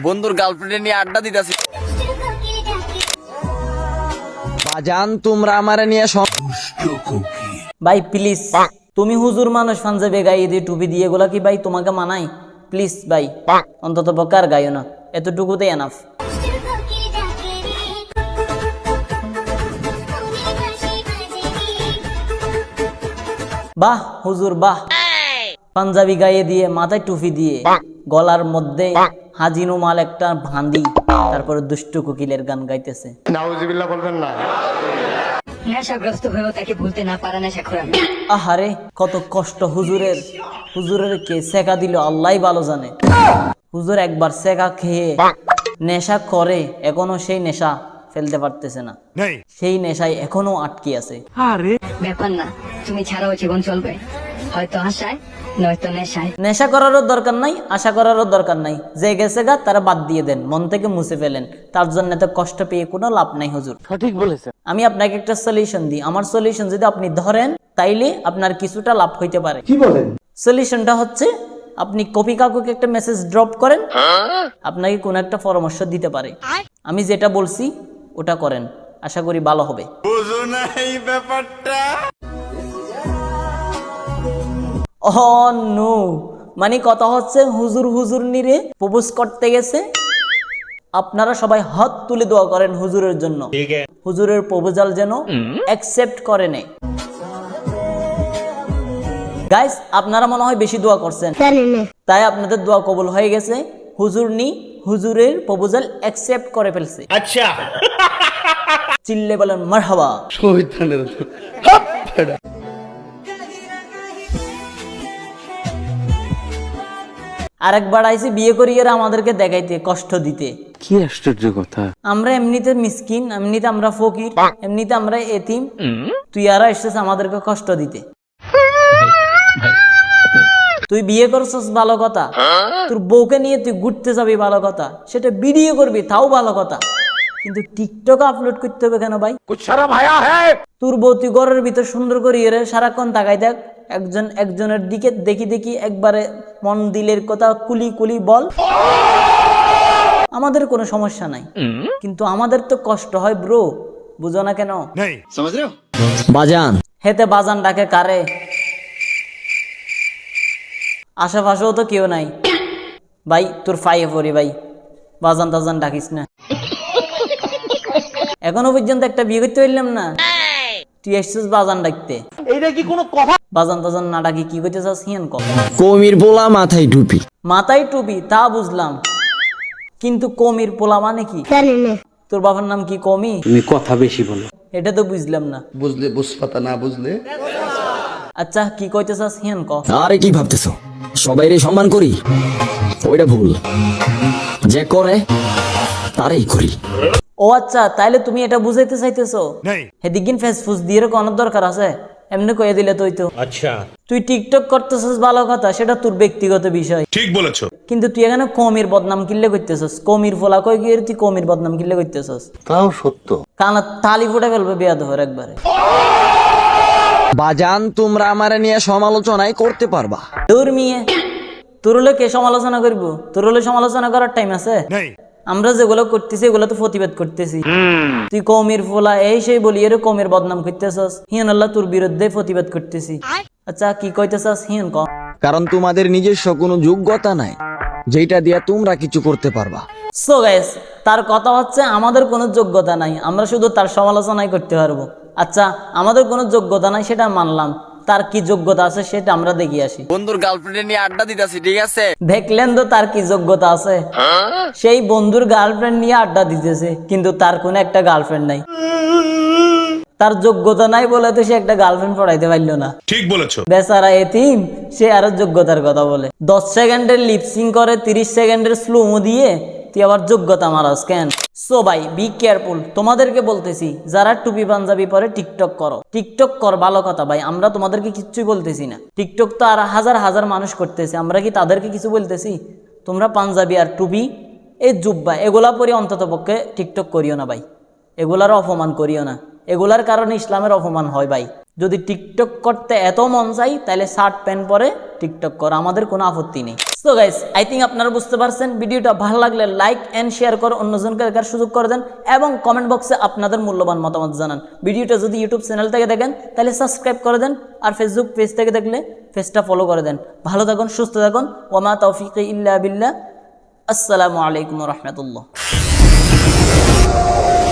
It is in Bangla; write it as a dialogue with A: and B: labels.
A: বন্ধুর গার্লফ্রেন্ড নিয়ে আড্ডা দিতেছি।
B: বাজান তোমরা আমারে নিয়ে
C: ভাই প্লিজ, তুমি হুজুর মানুষ পাঞ্জাবি গায়ে দিয়ে টুপি দিয়ে এগুলা কি ভাই তোমাকে মানাই? প্লিজ ভাই, অন্তত পক্ষে আর গাইও না, এতটুকুতেই এনাফ। বাহ হুজুর বাহ, পাঞ্জাবি গায়ে দিয়ে মাথায় টুপি দিয়ে গলার মধ্যে হাজিনো মাল একটা ভান্দি, তারপরে দুষ্ট কোকিলের গান গাইতেছে।
D: নাউজুবিল্লাহ বলবেন না।
E: নেশাগ্রস্ত হয়েও তাকে ভুলতে না পারা নেশাখোর আমি।
C: আহারে কত কষ্ট হুজুরের। হুজুরের কে সেকা দিল আল্লাহই ভালো জানে। হুজুর একবার সেকা খেয়ে নেশা করে এখনো সেই নেশা ফেলতে পারতেছে না, সেই নেশায় এখনো আটকে আছে।
E: ব্যাপার না, তুমি ছাড়াও জীবন চলবে, হয়তো আশায় নয়তো নেশায়।
C: নেশা করারও দরকার নাই, আশা করারও দরকার নাই, যে গেছে গা তারা বাদ দিয়ে দেন, মন থেকে মুছে ফেলেন। তার জন্য এত কষ্ট পেয়ে কোনো লাভ নাই হুজুর।
B: সঠিক বলেছে।
C: আমি আপনাকে একটা সলিউশন দিই, আমার সলিউশন যদি আপনি ধরেন তাইলে আপনার কিছুটা লাভ হইতে পারে।
D: কি বলেন?
C: সলিউশনটা হচ্ছে আপনি কপি কাকুকে একটা মেসেজ ড্রপ করেন, আপনাকে কোনো একটা পরামর্শ দিতে পারে। আমি যেটা বলছি ওটা করেন, আশা করি ভালো হবে।
A: বুঝো না এই ব্যাপারটা।
C: ও নো, মানে কথা হচ্ছে হুজুর হুজুর নিরে প্রপোজ করতে গেছে, আপনারা সবাই হাত তুলে দোয়া করেন হুজুরের জন্য, হুজুরের প্রপোজাল যেন অ্যাকসেপ্ট করে নেয়। গাইস আপনারা মনে হয় বেশি দোয়া করছেন, তাই আপনাদের দোয়া কবুল হয়ে গেছে। হুজুরের প্রপোজাল অ্যাকসেপ্ট করে ফেলছে। আচ্ছা, চিল্লে বলেন মারহাবা। আরেকবার আইসি বিয়ে করিয়ে আমাদেরকে দেখাইতে, কষ্ট দিতে।
B: কি আশ্চর্য কথা।
C: আমরা এমনিতে মিসকিন, এমনিতে আমরা ফকির, এমনিতে আমরা এতিম, তুই আর এসেছিস আমাদেরকে কষ্ট দিতে। তুই বিয়ে করছিস ভালো কথা, তোর বউকে নিয়ে তুই ঘুরতে যাবি ভালো কথা, সেটা ভিডিও করবি তাও ভালো কথা, কিন্তু টিকটক আপলোড করতে হবে কেন ভাই? তোর বউ তুই ঘরের ভিতর সুন্দর করিয়ে রে সারাক্ষণ তাকাই দেখ, একজনের দিকে দেখি দেখি একবারে মন দিলের কথা কুলি কুলি বল। আমাদের কোনো সমস্যা নাই, কিন্তু আমাদের তো কষ্ট হয় ব্রো, বুঝো না কেন?
B: বাজান
C: হেতে বাজান ডাকে কারে? আশেপাশেও তো কেউ নাই ভাই, তোর ফাইয়ে পড়ি ভাই, বাজান টাজান ডাকিস না। এখনো পর্যন্ত একটা বিয়ে করতে পারলাম না, তুই এসছিস বাজান ডাকতে।
B: এইটা কি কোনো কথা?
C: বাজান টাজান না ডাকি কি করতে চাস হিয়ান কম?
B: কমির পোলা মাথায় টুপি।
C: মাথায় টুপি তা বুঝলাম, কিন্তু কমির পোলা মানে কি? তোর বাবার নাম কি কমি?
B: তুমি কথা বেশি বলো।
C: এটা তো বুঝলাম না।
D: বুঝলে বুঝপাতা, না বুঝলে
C: আচ্ছা কি কইতে চাস হিয়ান ক।
B: আরে কি ভাবতেছো সবাইরে সম্মান করি? ওইটা ভুল, যে করে তারই করি।
C: ও আচ্ছা, তাইলে তুমি এটা বুঝাইতে চাইতেছো হেদিকিন ফেসফুস দিয়ে কোনো দরকার আছে? এমনি কয়ে দিলে তুই তো। আচ্ছা তুই টিকটক করতেছস ভালো কথা, সেটা তোর ব্যক্তিগত বিষয়, ঠিক বলেছো, কিন্তু তুই এখানে কমির বদনাম কিল্লে করতেছস। কমির ফলা কই গিয়ে তুই কমির বদনাম কিল্লে করতেছস?
D: তাও সত্য।
C: কানা তালি ফুটে ফেলবে বেয়াদবের একবারে।
B: বাজান তোমরা আমারে নিয়ে সমালোচনাই করতে পারবা।
C: তোর মিয়ে তোর হলে কে সমালোচনা করবো? তোর হলে সমালোচনা করার টাইম আছে? আমরা যেগুলো করতেছি এগুলো তো প্রতিবাদ করতেছি। তুই কমির ফোলা এই সেই বলি এর কমির বদনাম করতেছস, হিয়ান আল্লাহ তোর বিরুদ্ধে প্রতিবাদ করতেছি। আচ্ছা কি কইতেছস হিয়ান ক।
B: কারণ তোমাদের নিজস্ব কোনো যোগ্যতা নাই যেটা দিয়া তোমরা কিছু করতে পারবা।
C: সো গাইস, তার কথা হচ্ছে আমাদের কোনো যোগ্যতা নাই, আমরা শুধু তার সমালোচনাই করতে পারবো। আচ্ছা আমাদের কোনো যোগ্যতা নাই সেটা মানলাম, তার কি যোগ্যতা আছে সেটা আমরা দেখি আসি।
A: বন্ধুর গার্লফ্রেন্ড নিয়ে আড্ডা দিতেছি, ঠিক আছে?
C: দেখলেন তো তার কি যোগ্যতা আছে? সেই বন্ধুর গার্লফ্রেন্ড নিয়ে আড্ডা দিতেছে, কিন্তু তার কোনো একটা গার্লফ্রেন্ড নাই। তার যোগ্যতা নাই বলে তো সে একটা গার্লফ্রেন্ড পড়াইতে পারলো না। ঠিক বলেছো। বেচারা এতিম, সে আরো যোগ্যতার কথা বলে। 10 সেকেন্ডের লিপসিং করে 30 সেকেন্ডের স্লোমো দিয়ে তুই আবার যোগ্যতা মারাস কেন? সো ভাই বি কেয়ারফুল, তোমাদেরকে বলতেছি যারা টুপি পাঞ্জাবি পরে টিকটক করো, টিকটক কর ভালো কথা ভাই, আমরা তোমাদেরকে কিচ্ছুই বলতেছি না। টিকটক তো আর হাজার হাজার মানুষ করতেছে, আমরা কি তাদেরকে কিছু বলতেছি? তোমরা পাঞ্জাবি আর টুপি এই জুব্বা এগুলা পরে অন্তত পক্ষে টিকটক করিও না ভাই, এগুলার অপমান করিও না, এগুলার কারণে ইসলামের অপমান হয় ভাই। যদি টিকটক করতে এত মন চাই তাহলে শার্ট প্যান্ট পরে টিকটক কর, আমাদের কোনো আপত্তি নেই। সো গাইস, আই থিঙ্ক আপনারা বুঝতে পারছেন। ভিডিওটা ভালো লাগলে লাইক এন্ড শেয়ার করে অন্যজনকে দেখার সুযোগ করে দেন এবং কমেন্ট বক্সে আপনাদের মূল্যবান মতামত জানান। ভিডিওটা যদি ইউটিউব চ্যানেল থেকে দেখেন তাহলে সাবস্ক্রাইব করে দেন, আর ফেসবুক পেজ থেকে দেখলে পেজটা ফলো করে দেন। ভালো থাকুন, সুস্থ থাকুন। ওয়া মা তাওফিকি ইল্লা বিল্লাহ। আসসালামু আলাইকুম ওয়া রাহমাতুল্লাহ।